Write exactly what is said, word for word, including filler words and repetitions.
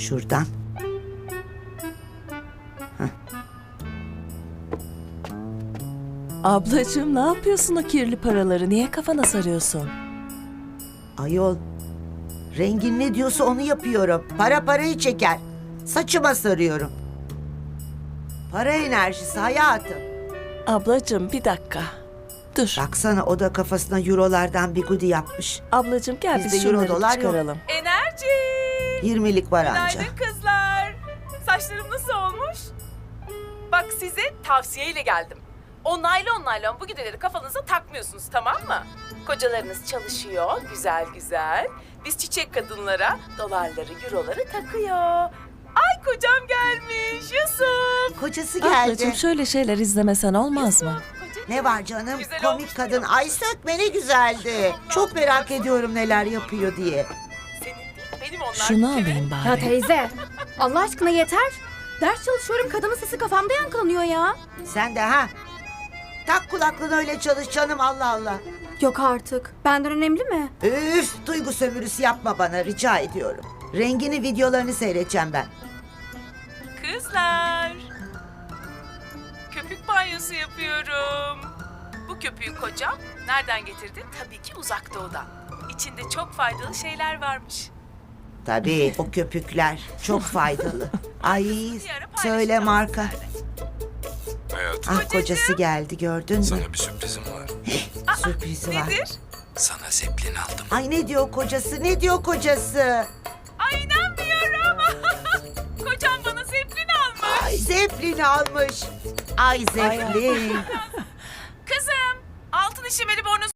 Şuradan. Ablacığım ne yapıyorsun o kirli paraları? Niye kafana sarıyorsun? Ayol, rengin ne diyorsa onu yapıyorum. Para parayı çeker. Saçıma sarıyorum. Para enerjisi hayatım. Ablacığım bir dakika. Dur. Baksana o da kafasına eurolardan bigudi yapmış. Ablacığım gel Bizde biz euro, şunları dolar yok. çıkaralım. Enerji! yirmilik var anca. Günaydın kızlar. Saçlarım nasıl olmuş? Bak size tavsiyeyle geldim. O naylon naylon bu gideleri kafanıza takmıyorsunuz, tamam mı? Kocalarınız çalışıyor güzel güzel. Biz çiçek kadınlara dolarları, euroları takıyor. Ay kocam gelmiş Yusuf. Kocası geldi. Ablacığım şöyle şeyler izlemesen olmaz mı? Kocacığım. Ne var canım? Güzel Komik olmuş kadın. değil mi? Ay sökme ne güzeldi. Çok merak ediyorum neler yapıyor diye. Senin değil, benim onlar. Şunu bir kere. alayım Ya bari. teyze, Allah aşkına yeter. Ders çalışıyorum, kadının sesi kafamda yankılanıyor ya. Sen de ha? Tak kulaklığını öyle çalış canım, Allah Allah. Yok artık, benden önemli mi? Üf, duygu sömürüsü yapma bana rica ediyorum. Rengini videolarını seyredeceğim ben. Kızlar. Köpük banyosu yapıyorum. Bu köpüğü kocam nereden getirdi? Tabii ki uzak doğudan. İçinde çok faydalı şeyler varmış. Tabii o köpükler çok faydalı. Ay söyle marka. Hayatım, Ah kocası geldi gördün mü? sana bir sürprizim var. Sürprizi var. Nedir? Sana zeplin aldım. Ay ne diyor kocası ne diyor kocası? Ay inanmıyorum. Kocam bana zeplin almış. Ay Zeppelin almış. Ay Zeppelin. Kızım altın işemeli bornoz